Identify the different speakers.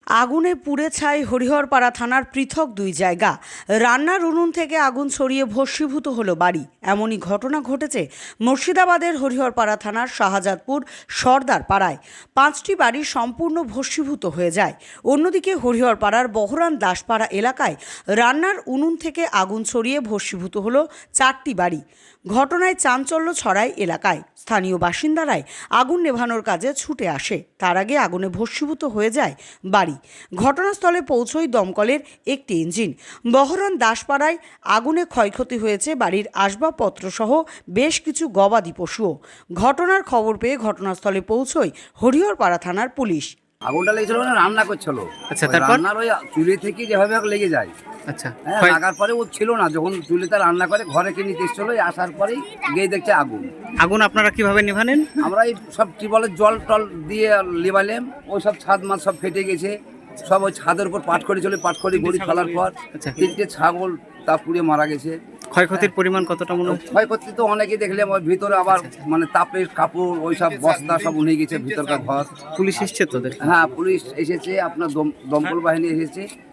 Speaker 1: আগুনে পুড়ে ছাই হরিহরপাড়া থানার পৃথক দুই জায়গা। রান্নার উনুন থেকে আগুন ছড়িয়ে ভস্মীভূত হলো বাড়ি। এমনই ঘটনা ঘটেছে মুর্শিদাবাদের হরিহরপাড়া থানার শাহজাদপুর সর্দার পাড়ায়। 5টি বাড়ি সম্পূর্ণ ভস্মীভূত হয়ে যায়। অন্যদিকে হরিহরপাড়ার বহরান দাসপাড়া এলাকায় রান্নার উনুন থেকে আগুন ছড়িয়ে ভস্মীভূত হলো 4টি বাড়ি। ঘটনায় চাঞ্চল্য ছড়ায় এলাকায়। স্থানীয় বাসিন্দারাই আগুন নেভানোর কাজে ছুটে আসে। তার আগে আগুনে ভস্মীভূত হয়ে যায় বাড়ি। ঘটনাস্থলে পৌঁছয় দমকলের একটি ইঞ্জিন। বহরন দাসপাড়ায় আগুনে ক্ষয়ক্ষতি হয়েছে বাড়ির আসবাবপত্র সহ বেশ কিছু গবাদি পশুও। ঘটনার খবর পেয়ে ঘটনাস্থলে পৌঁছয় হরিহরপাড়া থানার পুলিশ।
Speaker 2: আগুনটা লেগেছিল মানে রান্না করছিল।
Speaker 3: আচ্ছা,
Speaker 2: ওই
Speaker 3: তারপর?
Speaker 2: রান্নার ওই চুলি থেকে যেভাবে হোক লেগে যায়।
Speaker 3: আচ্ছা,
Speaker 2: হ্যাঁ,
Speaker 3: ক্ষয়-
Speaker 2: লাগার পরে ও ছিল না, যখন চুলিতে রান্না করে ঘরে কিনে এসেছিল, আসার পরেই গিয়ে দেখছে আগুন।
Speaker 3: আগুন আপনারা কিভাবে নেভানেন?
Speaker 2: আমরা এই সব টিউবওয়েলের জল টল দিয়ে লিবালাম, ওই সব ছাদ মাছ সব ফেটে গেছে। সব ওই ছাদের উপর পাটখড়ি ছিল, পাটখড়ি গড়ি ফেলার পর
Speaker 3: আচ্ছা।
Speaker 2: 3টে ছাগল তা পুড়ে মারা গেছে।
Speaker 3: ক্ষয়ক্ষতির পরিমাণ কতটা মনে হচ্ছে?
Speaker 2: ক্ষয়ক্ষতি তো অনেকেই দেখলাম, ওই ভিতরে আবার মানে তাপের কাপড় ওই সব বস্তা সব উঠে গেছে ভিতরকার ঘর।
Speaker 3: পুলিশ এসছে তো দেখে?
Speaker 2: হ্যাঁ, পুলিশ এসেছে, আপনার দমকল বাহিনী এসেছে,